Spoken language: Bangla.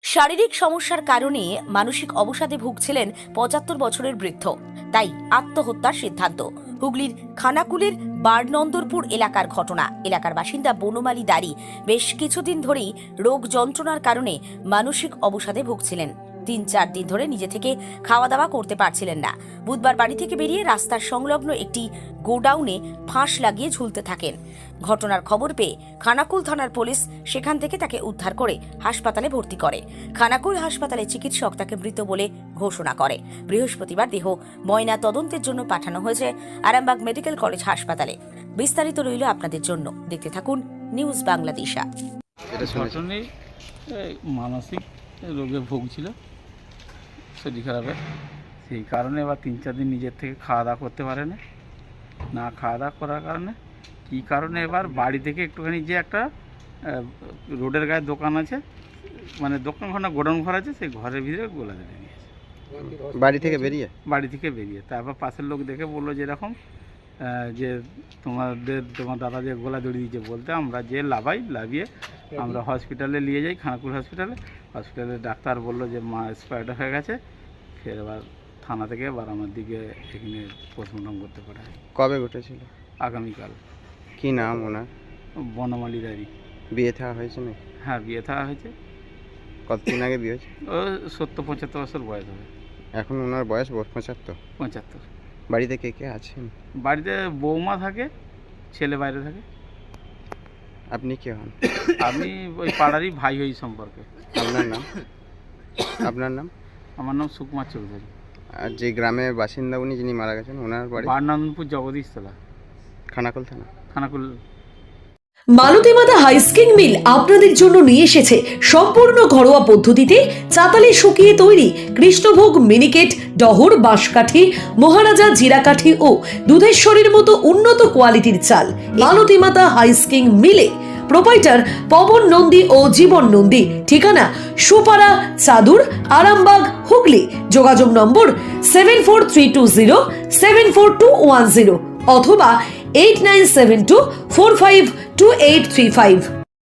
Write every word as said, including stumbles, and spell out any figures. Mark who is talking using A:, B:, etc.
A: শারীরিক সমস্যার কারণে মানসিক অবসাদে ভুগছিলেন পঁচাত্তর বছরের বৃদ্ধ, তাই আত্মহত্যার সিদ্ধান্ত। হুগলির খানাকুলের বারনন্দরপুর এলাকার ঘটনা। এলাকার বাসিন্দা বনমালী দাড়ি বেশ কিছুদিন ধরেই রোগ যন্ত্রণার কারণে মানসিক অবসাদে ভুগছিলেন। তিন চার দিন ধরে নিজে থেকে খাওয়া দাওয়া করতে পারছিলেন না। বুধবার বাড়ি থেকে বেরিয়ে রাস্তার সংলগ্ন একটি গোডাউনে ফাঁস লাগিয়ে ঝুলতে থাকেন। ঘটনার খবর পেয়ে খানাকুল থানার পুলিশ সেখান থেকে তাকে উদ্ধার করে হাসপাতালে ভর্তি করে। খানাকুল হাসপাতালে চিকিৎসক তাকে মৃত বলে ঘোষণা করে। বৃহস্পতিবার দেহ ময়না তদন্তের জন্য পাঠানো হয়েছে আরামবাগ মেডিকেল কলেজ হাসপাতালে। বিস্তারিত রইল আপনাদের জন্য, দেখতে থাকুন নিউজ বাংলাদেশা।
B: মানসিক রোগে ভুগছিল, শরীর খারাপে, সেই কারণে এবার তিন চার দিন নিজের থেকে খাওয়া দাওয়া করতে পারে না। না খাওয়া দাওয়া করার কারণে কী কারণে এবার বাড়ি থেকে একটুখানি যে একটা রোডের গায়ে দোকান আছে, মানে দোকান ঘর না গোডাউন ঘর আছে, সেই ঘরের ভিতরে গোলা ধরে নিয়েছে।
C: বাড়ি থেকে বেরিয়ে
B: বাড়ি থেকে বেরিয়ে তারপর পাশের লোক দেখে বললো যে এরকম যে তোমাদের তোমার দাদা যে গোলা দড়ি দিয়েছে, বলতে আমরা যে লাভাই লাভিয়ে আমরা হসপিটালে নিয়ে যাই, খানাকুল হসপিটালে। হসপিটালে ডাক্তার বললো যে মা এক্সপায়ার্ড হয়ে গেছে। ফের এবার থানা থেকে এবার আমার দিকে এখানে পোস্টমর্টম করতে পারে।
C: কবে ঘটেছিল?
B: আগামীকাল।
C: কি নাম ওনার?
B: বনমালী দাড়ি।
C: বিয়ে থাকা হয়েছে না?
B: হ্যাঁ, বিয়ে থাকা হয়েছে।
C: কতদিন আগে বিয়ে হয়েছে?
B: ও সত্তর পঁচাত্তর বছর বয়স হবে।
C: এখন ওনার বয়স পঁচাত্তর?
B: পঁচাত্তর।
C: বাড়িতে কে কে আছেন?
B: বাড়িতে বৌমা থাকে, ছেলে বাইরে থাকে।
C: আপনি কে হন?
B: আমি ওই পাড়ারই ভাই ওই সম্পর্কে।
C: আপনার নাম? আপনার নাম?
B: আমার নাম সুকুমার চৌধুরী।
C: আর যে গ্রামের বাসিন্দা উনি যিনি মারা গেছেন, ওনার বাড়ি?
B: বারনন্দরপুর জগদীশতলা,
C: খানাকুল থানা।
B: খানাকুল।
D: মালতী মাতা হাইস্কিং মিল আপনাদের জন্য নিয়ে এসেছে সম্পূর্ণ ঘরোয়া পদ্ধতিতে চাতালে শুকিয়ে তৈরি কৃষ্ণভোগ মিনিকেট, ডহর, বাঁশকাঠি, মহারাজা জিরাকাঠি ও দুধেশ্বরীর মতো উন্নত কোয়ালিটির চাল। মালতী মাতা হাইস্কিং মিলে প্রোপাইটার পবন নন্দী ও জীবন নন্দী। ঠিকানা সুপারা চাদুর, আরামবাগ, হুগলি। যোগাযোগ নম্বর seven four three two zero seven four two one zero অথবা eight nine seven two four five two eight three five.